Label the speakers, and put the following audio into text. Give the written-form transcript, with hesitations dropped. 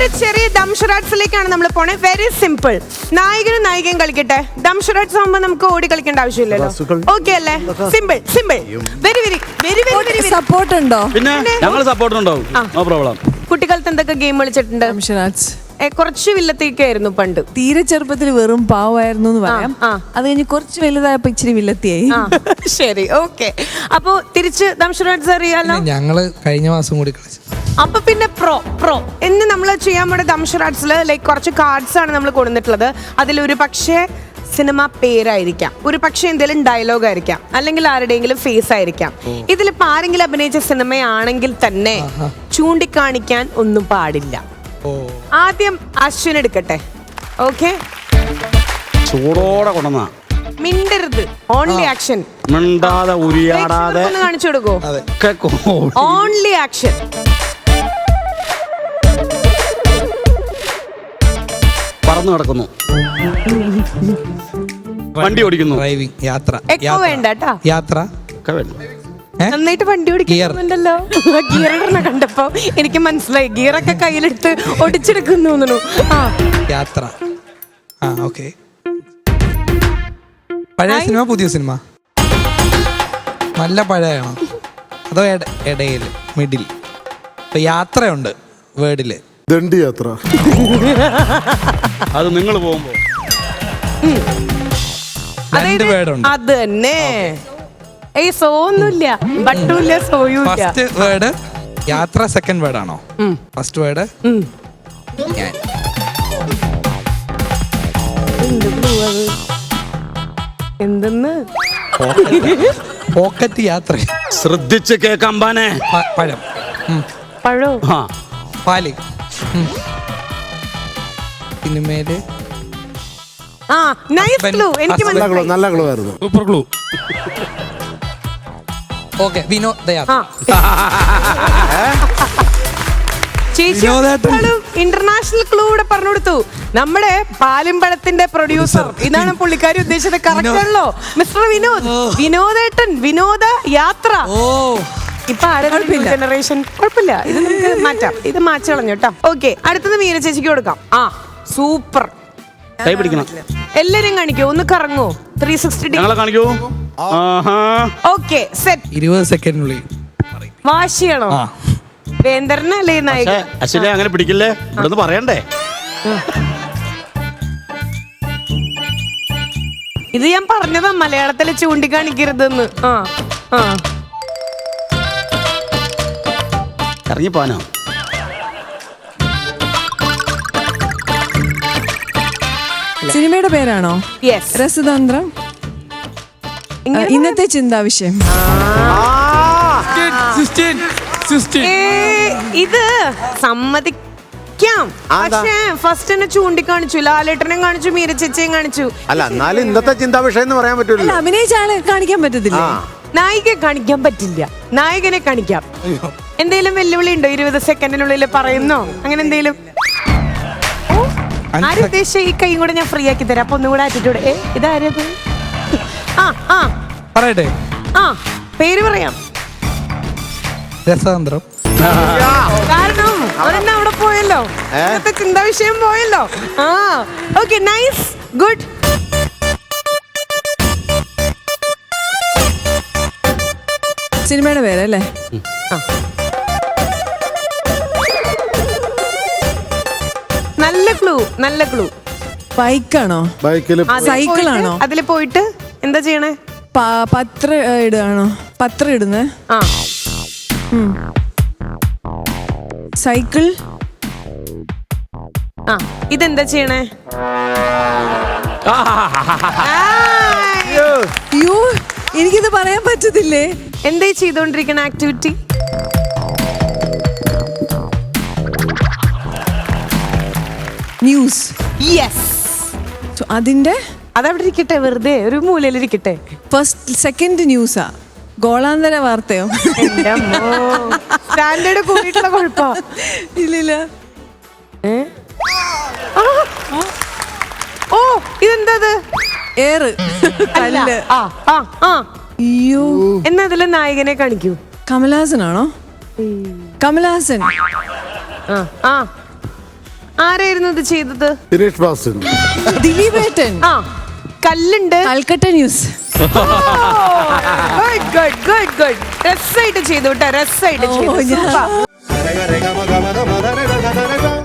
Speaker 1: ഒരു ചെറിയ ദംഷറാട്സിലേക്കാണ് നമ്മൾ പോണേ. Very simple. നായകനും നായികയും കളിക്കട്ടെ. ദംഷറാട്സ് ആകുമ്പോൾ നമുക്ക് ഓടി കളിക്കേണ്ട ആവശ്യമില്ലല്ലോ. ഓക്കെ അല്ലേ? Simple simple. Very very very very.
Speaker 2: Support ഉണ്ടോ?
Speaker 3: പിന്നെ ഞങ്ങൾ സപ്പോർട്ട് ഉണ്ടാവും. No problem.
Speaker 1: കുട്ടിക്കാലത്ത് എന്തൊക്കെ ഗെയിം കളിച്ചിട്ടുണ്ട്? കുറച്ച് വില്ലത്തേക്കായിരുന്നു പണ്ട്.
Speaker 2: തീരെ ചെറുപ്പത്തിൽ വെറും പാവമായിരുന്നു എന്ന് പറയാം. അത് കഴിഞ്ഞ് കുറച്ച് വലുതായപ്പോ ഇച്ചിരി വില്ലത്തിയായി.
Speaker 1: ശരി, ഓക്കെ. അപ്പൊ തിരിച്ച് ദംഷറാട്സ് അറിയാലോ.
Speaker 4: ഞങ്ങള് കഴിഞ്ഞ മാസം കൂടി കളിച്ചു.
Speaker 1: അപ്പൊ പിന്നെ പ്രോ എന്ന് നമ്മൾ ചെയ്യാൻ പോണ ദംഷറാട്സില് ലൈക്ക് കുറച്ച് കാർഡ്സ് ആണ് നമ്മൾ കൊണ്ടുവന്നിട്ടുള്ളത്. അതിലൊരു പക്ഷേ സിനിമ പേരായിരിക്കാം, ഒരു പക്ഷേ എന്തെങ്കിലും ഡയലോഗ് ആയിരിക്കാം, അല്ലെങ്കിൽ ആരുടെയെങ്കിലും ഫേസ് ആയിരിക്കാം. ഇതിലിപ്പോ ആരെങ്കിലും അഭിനയിച്ച സിനിമയാണെങ്കിൽ തന്നെ ചൂണ്ടിക്കാണിക്കാൻ ഒന്നും പാടില്ല. ആദ്യം അശ്വിൻ എടുക്കട്ടെ. ഓക്കെ,
Speaker 3: ചൂടോടെ കൊണ്ടുവന്ന
Speaker 1: മിണ്ടരുത്. Only action.
Speaker 3: മിണ്ടാതെ ഉരിയാടാതെ
Speaker 1: കാണിച്ചു കൊടുക്കോ. Only action.
Speaker 3: പറന്നു കിടക്കുന്നു, വണ്ടി ഓടിക്കുന്നു,
Speaker 4: ഡ്രൈവിംഗ്, യാത്ര.
Speaker 1: എക്കോ വേണ്ട കേട്ടാ.
Speaker 4: യാത്ര
Speaker 1: നന്നായിട്ട് വണ്ടി ഓടിക്കുന്നുണ്ടല്ലോ. ഗിയർ ഇടണ കണ്ടപ്പോ എനിക്ക് മനസ്സിലായി. ഗിയറൊക്കെ കയ്യിലെടുത്ത് ഒടിച്ചെടുക്കുന്നു.
Speaker 4: യാത്ര. ഓക്കെ. പഴയ സിനിമ പുതിയ സിനിമ? നല്ല പഴയണോ അതോ ഇടയില് മിഡിൽ? ഇപ്പൊ യാത്രയുണ്ട് വേർഡില്.
Speaker 5: ദണ്ഡി യാത്ര.
Speaker 3: അത് നിങ്ങൾ പോകുമ്പോ
Speaker 4: രണ്ട് വേർഡുണ്ട്.
Speaker 1: അത് തന്നെ. ഏയ് സോന്നുമില്ല, ബട്ടുമില്ല, സോയുമില്ല.
Speaker 4: ഫസ്റ്റ് വേർഡ് യാത്ര, സെക്കൻഡ് വേർഡ് ആണോ? ഫസ്റ്റ് വേർഡ് ഞാൻ.
Speaker 1: എന്തെന്ന്?
Speaker 4: പോക്കറ്റ് യാത്ര.
Speaker 3: ശ്രദ്ധിച്ച് കേൾക്കാമ്പാനെ.
Speaker 4: പഴം.
Speaker 1: പഴോ?
Speaker 4: പാല്. സിനിമയില്
Speaker 1: നൈസ് ക്ലൂ. എനിക്ക് മനസ്സിലായി.
Speaker 5: നല്ല ക്ലൂ ആയിരുന്നു.
Speaker 3: Super clue.
Speaker 4: ഓക്കെ, വിനോദയാത്ര.
Speaker 1: ചേച്ചി ഇന്റർനാഷണൽ ക്ലൂ ഇവിടെ പറഞ്ഞു കൊടുത്തു. നമ്മുടെ പാലിമ്പഴത്തിന്റെ പ്രൊഡ്യൂസർ. ഇതാണ് പുള്ളിക്കാരി ഉദ്ദേശിച്ചത്. കറക്റ്റ് ആണല്ലോ മിസ്റ്റർ വിനോദ്. വിനോദേട്ടൻ. വിനോദ യാത്ര. ഇപ്പൊ ജനറേഷൻ കുഴപ്പമില്ല. ഇത് നമുക്ക് മാറ്റാം. ഇത് മാറ്റി കളഞ്ഞു കേട്ടോ. ഓക്കെ, അടുത്തത് മീന ചേച്ചിക്ക് കൊടുക്കാം. സൂപ്പർ.
Speaker 3: കൈ പിടിക്കണം.
Speaker 1: എല്ലാരും കാണിക്കോ, ഒന്ന് കറങ്ങോ. 360
Speaker 3: ഞങ്ങളെ കാണിക്കൂ.
Speaker 1: Okay, set.
Speaker 4: 20 സെക്കൻഡിനുള്ളിൽ
Speaker 1: വാശിയാണോ? വേന്ദ്രനല്ലേ നായകൻ?
Speaker 3: അശ്വിനെ അങ്ങനെ പിടിക്കില്ലേ, ഇവിടെ പറയണ്ടേ.
Speaker 1: ഇത് ഞാൻ പറഞ്ഞതാ മലയാളത്തില് ചൂണ്ടിക്കാണിക്കരുതെന്ന്.
Speaker 3: ഇറങ്ങി പോനോ?
Speaker 2: സിനിമയുടെ പേരാണോ?
Speaker 1: യെസ്.
Speaker 2: രസതന്ത്രം. ഇന്നത്തെ ചിന്താവിഷയം.
Speaker 1: ഇത് സമ്മതിക്കാം. പക്ഷേ ഫസ്റ്റ് തന്നെ ചൂണ്ടിക്കാണിച്ചു. ലാലേട്ടനെയും കാണിച്ചു, മീര ചേച്ചിയും കാണിച്ചു.
Speaker 5: അല്ല, എന്നാലും ഇന്നത്തെ ചിന്താ വിഷയം എന്ന് പറയാൻ പറ്റൂല.
Speaker 2: അഭിനയിച്ച ആളെ കാണിക്കാൻ പറ്റത്തില്ല.
Speaker 1: നായികയെ കാണിക്കാൻ പറ്റില്ല, നായകനെ കാണിക്കാം. എന്തേലും വെല്ലുവിളി ഉണ്ടോ? 20 സെക്കൻഡിനുള്ളിൽ പറയുന്നോ അങ്ങനെ എന്തേലും? ആരുദ്ദേശിച്ച ഈ കൈയും കൂടെ ഞാൻ ഫ്രീ ആക്കി തരാം. അപ്പൊ ഒന്നും കൂടെ ആറ്റിറ്റ്യൂഡ്. ഇതാരത്?
Speaker 4: പറയട്ടെ.
Speaker 1: പേര് പറയാം.
Speaker 4: രസതന്ത്രം.
Speaker 1: കാരണം ഒരെണ്ണം അവിടെ പോയല്ലോ. ഇന്നത്തെ ചിന്താ വിഷയം പോയല്ലോ. Okay, nice, good.
Speaker 2: സിനിമയുടെ പേരല്ലേ?
Speaker 1: നല്ല ക്ലൂ, നല്ല ക്ലൂ.
Speaker 2: ബൈക്കാണോ?
Speaker 5: ബൈക്കിൽ.
Speaker 2: സൈക്കിളാണോ?
Speaker 1: അതില് പോയിട്ട് എന്താ ചെയ്യണേ?
Speaker 2: പത്രം ഇടുകയാണോ? പത്രം ഇടുന്നേ. സൈക്കിൾ.
Speaker 1: ഇതെന്താ ചെയ്യണേ?
Speaker 2: അയ്യോ, എനിക്കിത് പറയാൻ പറ്റത്തില്ലേ.
Speaker 1: എന്താ ചെയ്തോണ്ടിരിക്കണ ആക്ടിവിറ്റി?
Speaker 2: ന്യൂസ്.
Speaker 1: യെസ്.
Speaker 2: അതിന്റെ
Speaker 1: അതവിടെ ഇരിക്കട്ടെ, വെറുതെ ഒരു മൂലയിലിരിക്കട്ടെ.
Speaker 2: ഫസ്റ്റ് സെക്കൻഡ് ന്യൂസാ? ഗോളാന്തര വാർത്തയോ?
Speaker 1: സ്റ്റാൻഡേർഡ് കൂടിയിട്ടുള്ള കുഴപ്പ.
Speaker 2: ഇല്ലില്ല.
Speaker 1: ഓ, ഇതെന്താ?
Speaker 2: ഏറ്. കല്ല്. അയ്യോ,
Speaker 1: എന്നാ അതിലെ നായകനെ കാണിക്കൂ.
Speaker 2: കമലഹാസനാണോ? കമലഹാസൻ.
Speaker 1: ആരായിരുന്നു ഇത് ചെയ്തത്?
Speaker 5: ദിനേഷ് ബാസൻ.
Speaker 2: ദിലീപേട്ടൻ.
Speaker 1: ആ കല്ലുണ്ട്.
Speaker 2: Calcutta news.
Speaker 1: Good good good good. രസമായിട്ട് ചെയ്തു കേട്ടോ, രസമായിട്ട് ചെയ്തു.
Speaker 2: ഞാൻ-
Speaker 1: Super.
Speaker 5: രഗ രഗ മഗ മഗ മദ രഗ ഗ ഗ ഗ ഗ.